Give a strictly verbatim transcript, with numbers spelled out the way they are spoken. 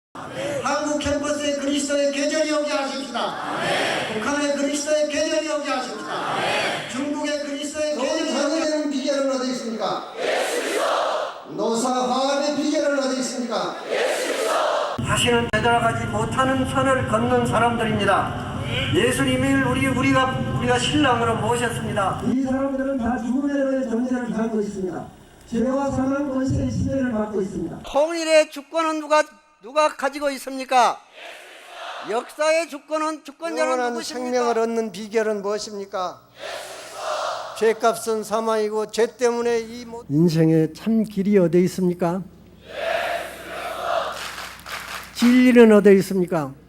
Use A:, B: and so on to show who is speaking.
A: 아멘. 한국 캠퍼스에 그리스도의 계절이 오게 하십시다. 아멘. 북한에 그리스도의 계절이 오게 하십시다. 아멘. 중국에 그리스도의 계절이 오게 하는 비결은 어디 있습니까? 노사 화합의 비결은 어디 있습니까? 다시는 되돌아가지 못하는 선을 걷는 사람들입니다. 예수님을 우리 우리가 우리가 신랑으로 모셨습니다.
B: 이 사람들은 다 죽음의 존재를 가지고 있습니다. 죄와 사망 권세의 시대를 받고 있습니다.
A: 통일의 주권은 누가 누가 가지고 있습니까? 역사의 주권은 주권자는 누구십니까? 생명을 얻는 비결은 무엇입니까? 죄값은 사망이고 죄 때문에 이 인생의 참 길이 어디 있습니까? 진리는 어디 있습니까?